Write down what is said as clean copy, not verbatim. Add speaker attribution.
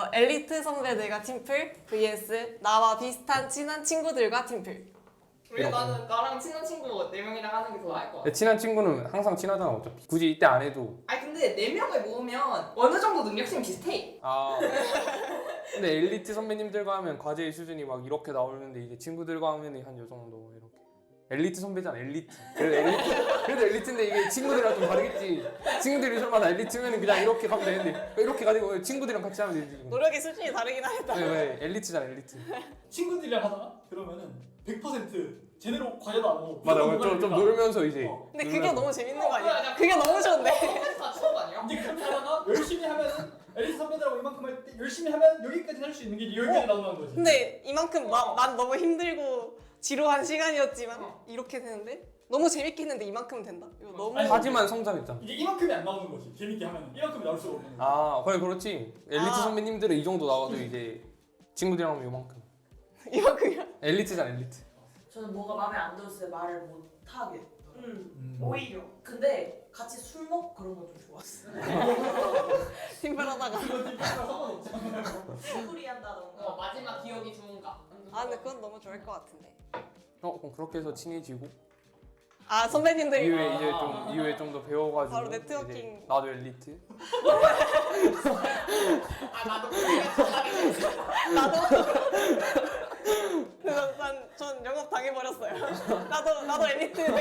Speaker 1: 엘리트 선배들과 팀플 vs 나와 비슷한 친한 친구들과 팀플.
Speaker 2: 왜 나랑 친한 친구 4명이랑 하는 게 더 나을 것 같아.
Speaker 3: 친한 친구는 항상 친하잖아 어차피. 굳이 이때 안 해도.
Speaker 2: 아니 근데 4명을 모으면 어느 정도 능력치는 비슷해.
Speaker 3: 아. 근데 엘리트 선배님들과 하면 과제의 수준이 막 이렇게 나오는데 이제 친구들과 하면 한 요 정도 이렇게. 엘리트 선배잖아 엘리트. 그래도 엘리트인데 이게 친구들이랑 좀 다르겠지. 친구들이 설마 나 엘리트면 그냥 이렇게 가면 되는데 이렇게 가지고 친구들이랑 같이 하면 되지.
Speaker 1: 노력의 수준이 다르긴 하겠다.
Speaker 3: 왜 엘리트잖아 엘리트.
Speaker 4: 친구들이랑 하잖아? 그러면은 100% 제대로 과제도 안 하고
Speaker 3: 맞아
Speaker 4: 무조건
Speaker 3: 좀
Speaker 4: 놀아야
Speaker 3: 놀면서 이제.
Speaker 1: 근데 그게 너무 재밌는 거
Speaker 2: 뭐야,
Speaker 1: 아니야?
Speaker 2: 야,
Speaker 1: 그게 너무 좋은데.
Speaker 2: 다 추억 아니야?
Speaker 4: 근데 그렇게 하다가 열심히 하면은 엘리트 선배들하고 이만큼 할 때 열심히 하면 여기까지 할 수 있는 게 여기까지 나오는 거지.
Speaker 1: 근데 이만큼 난 너무 힘들고 지루한 시간이었지만 이렇게 되는데 너무 재밌게 했는데 이만큼은 된다. 이거 너무
Speaker 4: 아니,
Speaker 3: 하지만 성장했잖아.
Speaker 4: 이게 이만큼이 안 나오는 거지. 재밌게 하면 이만큼이 나올 수가 없는 거지.
Speaker 3: 아 그래 그렇지. 엘리트
Speaker 1: 아.
Speaker 3: 선배님들은 이 정도 나와도 이제 친구들이랑 하면 요만큼.
Speaker 1: 이만큼이야.
Speaker 3: 엘리트잖아 엘리트.
Speaker 5: 저는 뭐가 마음에 안 들었어요. 말을 못 하게. 오히려. 근데 같이 술 먹고 그런 거 좀 좋았어요.
Speaker 1: 팀플하다가.
Speaker 4: 이거 팀이랑 상관없잖아.
Speaker 5: 술이 한다던가.
Speaker 2: 마지막 기억이 좋은가?
Speaker 1: 아 근데 그건 너무 좋을 것 같은데.
Speaker 3: 그럼 그렇게 해서 친해지고
Speaker 1: 아 선배님들이
Speaker 3: 이후에 좀 더 배워가지고
Speaker 1: 바로 네트워킹.
Speaker 3: 이제 나도 엘리트.
Speaker 2: 나도 그게
Speaker 1: 나도. 그래서 전 영업 당해버렸어요. 나도 엘리트